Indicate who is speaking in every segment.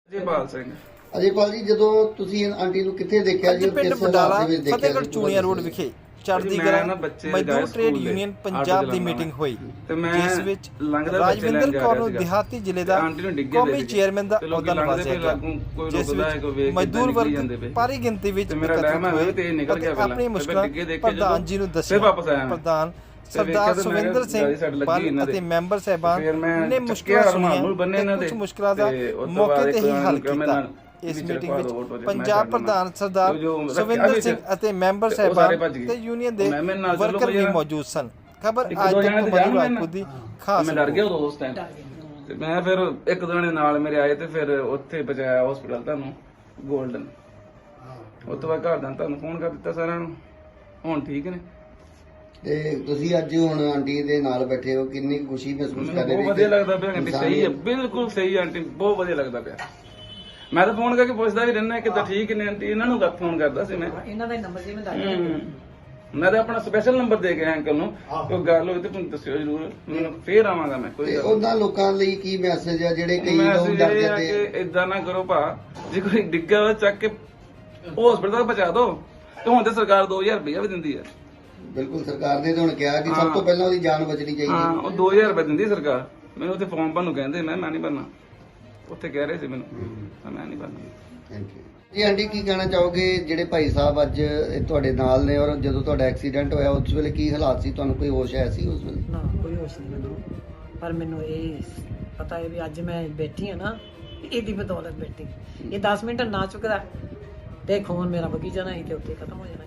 Speaker 1: ਅਜੇਪਾਲ ਸਿੰਘ।
Speaker 2: ਅਜੇਪਾਲ ਜੀ, ਜਦੋਂ ਤੁਸੀਂ ਆਂਟੀ ਨੂੰ ਕਿੱਥੇ ਦੇਖਿਆ ਜੀ?
Speaker 3: ਪਿੰਡ ਬਡਾਲਾ ਫਤਿਹਗੜ੍ਹ ਚੂੜੀਆਂ ਰੋਡ ਵਿਖੇ ਚੜ੍ਹਦੀ ਕਲਾ ਮਜ਼ਦੂਰ ਟ੍ਰੇਡ ਯੂਨੀਅਨ ਪੰਜਾਬ ਦੀ ਮੀਟਿੰਗ ਹੋਈ, ਜਿਸ ਵਿੱਚ ਰਾਜਵਿੰਦਰ ਕੌਰ ਨੂੰ ਦਿਹਾਤੀ ਜ਼ਿਲ੍ਹੇ ਦਾ ਕੌਮੀ ਚੇਅਰਮੈਨ ਦਾ ਅਹੁਦਾ ਨਵਾਜ਼ਿਆ ਗਿਆ, ਜਿਸ ਵਿੱਚ ਮਜ਼ਦੂਰ ਵਰਗ ਭਾਰੀ ਗਿਣਤੀ ਵਿੱਚ ਇਕੱਠਿਤ ਹੋਏ ਅਤੇ ਆਪਣੀ ਮੁਸ਼ਕਲਾਂ ਪ੍ਰਧਾਨ ਜੀ ਨੂੰ ਦੱਸੀਆਂ। ਪ੍ਰਧਾਨ ਸਰਦਾਰ ਸੁਵਿੰਦਰ ਸਿੰਘ ਬੱਲ ਅਤੇ ਮੈਂਬਰ ਸਾਹਿਬਾਨ ਨੇ ਮੁਸ਼ਕਲਾਂ ਸੁਣੀਆਂ ਤੇ ਕੁਝ ਮੁਸ਼ਕਲਾਂ ਦਾ ਮੌਕੇ ਤੇ ਹੀ ਹੱਲ ਕੀਤਾ। ਇਸ ਮੀਟਿੰਗ ਵਿੱਚ ਪੰਜਾਬ ਪ੍ਰਧਾਨ ਸਰਦਾਰ ਸੁਵਿੰਦਰ ਸਿੰਘ ਅਤੇ ਮੈਂਬਰ ਸਾਹਿਬਾਨ ਤੇ ਯੂਨੀਅਨ ਦੇ ਵਰਕਰ ਵੀ ਮੌਜੂਦ ਸਨ। ਖਬਰ ਅੱਜ ਤੱਕ ਮਧੂ ਰਾਜਪੂਤ ਦੀ ਖਾਸ।
Speaker 1: ਮੈਂ ਡਰ ਗਿਆ ਉਦੋਂ ਉਸ ਟਾਈਮ ਤੇ ਮੈਂ ਫਿਰ ਇੱਕ ਦੋ ਜਣੇ ਨਾਲ ਮੇਰੇ ਆਏ ਤੇ ਫਿਰ ਉੱਥੇ ਪਹੁੰਚਾਇਆ ਹਸਪੀਟਲ ਤੁਹਾਨੂੰ ਗੋਲਡਨ। ਉਸ ਤੋਂ ਬਾਅਦ ਘਰ ਦਾ ਤੁਹਾਨੂੰ ਫੋਨ ਕਰ ਦਿੱਤਾ ਸਾਰਿਆਂ ਨੂੰ, ਹੁਣ ਠੀਕ ਨੇ।
Speaker 2: ਤੇ ਤੁਸੀਂ ਅੱਜ ਹੁਣ ਆਂਟੀ ਦੇ ਨਾਲ ਬੈਠੇ ਹੋ, ਕਿੰਨੀ ਖੁਸ਼ੀ ਮਹਿਸੂਸ ਕਰ ਰਹੇ ਹੋ?
Speaker 1: ਬਹੁਤ ਵਧੀਆ ਲੱਗਦਾ ਪਿਆ ਆਂਟੀ, ਸਹੀ ਹੈ, ਬਿਲਕੁਲ ਸਹੀ ਆਂਟੀ, ਬਹੁਤ ਵਧੀਆ ਲੱਗਦਾ ਪਿਆ। ਮੈਂ ਤਾਂ ਫੋਨ ਕਰਕੇ ਪੁੱਛਦਾ ਵੀ ਰਹਿਣਾ ਕਿੱਦਾਂ ਠੀਕ ਨੇ ਆਂਟੀ, ਇਹਨਾਂ ਨੂੰ ਫੋਨ ਕਰਦਾ ਸੀ ਮੈਂ,
Speaker 4: ਇਹਨਾਂ ਦਾ ਨੰਬਰ ਜੀ ਮੈਂ ਦੱਸ ਦਿੰਦਾ।
Speaker 1: ਮੈਂ ਤਾਂ ਆਪਣਾ ਸਪੈਸ਼ਲ ਨੰਬਰ ਦੇ ਗਿਆ ਅੰਕਲ ਨੂੰ, ਕੋਈ ਗੱਲ ਹੋਈ ਤੇ ਤੁਹਾਨੂੰ ਦੱਸਿਓ ਜ਼ਰੂਰ, ਮੈਨੂੰ ਫੇਰ ਆਵਾਂਗਾ ਮੈਂ। ਕੋਈ
Speaker 2: ਉਹਨਾਂ ਲੋਕਾਂ ਲਈ ਕੀ ਮੈਸੇਜ ਆ ਜਿਹੜੇ ਕਈ ਲੋਕ ਡਰ ਜਾਂਦੇ
Speaker 1: ਕਿ ਇਦਾਂ ਨਾ ਕਰੋ ਭਾ, ਜੇ ਕੋਈ ਡਿੱਗਾ ਹੋਇਆ ਚੱਕ ਕੇ ਹਸਪੀਟਲ ਤੱਕ ਪਹੁੰਚਾ ਦਿਓ। ਤੇ ਹੁਣ ਤੇ ਸਰਕਾਰ 2000 ਰੁਪਇਆ ਵੀ ਦਿੰਦੀ ਹੈ।
Speaker 2: ਬਿਲਕੁਲ, ਸਰਕਾਰ ਨੇ ਤਾਂ ਹੁਣ ਕਿਹਾ ਕਿ ਸਭ ਤੋਂ ਪਹਿਲਾਂ ਉਹਦੀ ਜਾਨ ਬਚਣੀ ਚਾਹੀਦੀ।
Speaker 1: ਹਾਂ, ਉਹ 2000 ਰੁਪਏ ਦਿੰਦੀ ਸਰਕਾਰ। ਮੈਨੂੰ ਉੱਥੇ ਫਾਰਮ ਭਰਨ ਨੂੰ ਕਹਿੰਦੇ, ਮੈਂ ਨਹੀਂ ਭਰਨਾ। ਉੱਥੇ ਕਹਿ ਰਹੇ ਸੀ ਮੈਨੂੰ, ਮੈਂ ਨਹੀਂ ਭਰਨਾ।
Speaker 2: Thank you ji. ਆਂਟੀ, ਕੀ ਕਹਿਣਾ ਚਾਹੋਗੇ ਜਿਹੜੇ ਭਾਈ ਸਾਹਿਬ ਅੱਜ ਤੁਹਾਡੇ ਨਾਲ ਨੇ, ਔਰ ਜਦੋਂ ਤੁਹਾਡਾ ਐਕਸੀਡੈਂਟ ਹੋਇਆ ਉਸ ਵੇਲੇ ਕੀ ਹਾਲਾਤ ਸੀ? ਤੁਹਾਨੂੰ ਕੋਈ ਹੋਸ਼ ਆਇਆ ਸੀ ਉਸ ਵੇਲੇ?
Speaker 4: ਨਾ, ਕੋਈ ਹੋਸ਼ ਨਹੀਂ ਮੈਨੂੰ, ਪਰ ਮੈਨੂੰ ਇਹ ਪਤਾ ਹੈ ਵੀ ਅੱਜ ਮੈਂ ਬੈਠੀ ਹਾਂ ਨਾ, ਇਹਦੀ ਬਦੌਲਤ ਬੈਠੀ। ਇਹ 10 ਮਿੰਟ ਨਾ ਚੁੱਕਦਾ ਤੇ ਖੂਨ ਮੇਰਾ ਵਗੀ ਜਾਣਾ ਸੀ ਤੇ ਉੱਥੇ ਖਤਮ ਹੋ ਜਾਣਾ,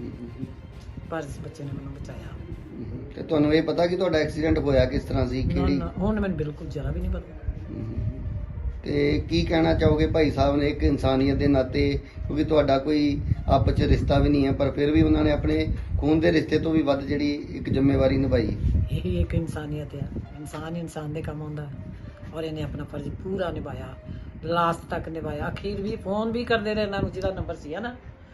Speaker 4: ਪਰ ਇਸ ਬੱਚੇ ਨੇ ਮੈਨੂੰ ਬਚਾਇਆ।
Speaker 2: ਤੇ ਤੁਹਾਨੂੰ ਇਹ ਪਤਾ ਕਿ ਤੁਹਾਡਾ ਐਕਸੀਡੈਂਟ ਹੋਇਆ ਕਿਸ ਤਰ੍ਹਾਂ ਸੀ? ਕਿਹੜੀ
Speaker 4: ਹੁਣ ਮੈਨੂੰ ਬਿਲਕੁਲ ਜਰਾ ਵੀ ਨਹੀਂ ਪਤਾ।
Speaker 2: ਤੇ ਕੀ ਕਹਿਣਾ ਚਾਹੋਗੇ ਭਾਈ ਸਾਹਿਬ ਨੇ ਇੱਕ ਇਨਸਾਨੀਅਤ ਦੇ ਨਾਤੇ, ਕਿਉਂਕਿ ਤੁਹਾਡਾ ਕੋਈ ਆਪਸ ਚ ਰਿਸ਼ਤਾ ਵੀ ਨਹੀਂ ਹੈ, ਪਰ ਫਿਰ ਵੀ ਉਹਨਾਂ ਨੇ ਆਪਣੇ ਖੂਨ ਦੇ ਰਿਸ਼ਤੇ ਤੋਂ ਵੀ ਵੱਧ ਜਿਹੜੀ ਇੱਕ ਜ਼ਿੰਮੇਵਾਰੀ ਨਿਭਾਈ।
Speaker 4: ਇਹ ਇੱਕ ਇਨਸਾਨੀਅਤ ਹੈ, ਇਨਸਾਨ ਦੇ ਕੰਮ ਆਉਂਦਾ, ਔਰ ਇਹਨੇ ਆਪਣਾ ਫਰਜ਼ ਪੂਰਾ ਨਿਭਾਇਆ, ਲਾਸਟ ਤੱਕ ਨਿਭਾਇਆ। ਅਖੀਰ ਵੀ ਫੋਨ ਵੀ ਕਰਦੇ ਰਹੇ ਇਹਨਾਂ ਨੂੰ, ਜਿਹਦਾ ਨੰਬਰ ਸੀ ਨਾ।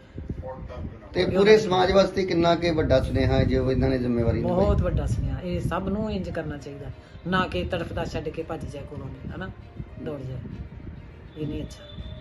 Speaker 2: ਤੇ ਪੂਰੇ ਸਮਾਜ ਵਾਸਤੇ ਕਿੰਨਾ ਕਿ ਵੱਡਾ ਸੁਨੇਹਾ ਹੈ ਜੋ ਇਹਨਾਂ ਨੇ ਜ਼ਿੰਮੇਵਾਰੀ ਨਿਭਾਈ।
Speaker 4: ਬਹੁਤ ਵੱਡਾ ਸੁਨੇਹਾ, ਇਹ ਸਭ ਨੂੰ ਇੰਜ ਕਰਨਾ ਚਾਹੀਦਾ, ਨਾ ਕਿ ਤੜਫਦਾ ਛੱਡ ਕੇ ਭੱਜ ਜਾਏ ਕੋਲੋਂ, ਹਨਾ, ਦੌੜ ਜਾਏ। ਇਹ ਨਹੀਂ ਅੱਛਾ।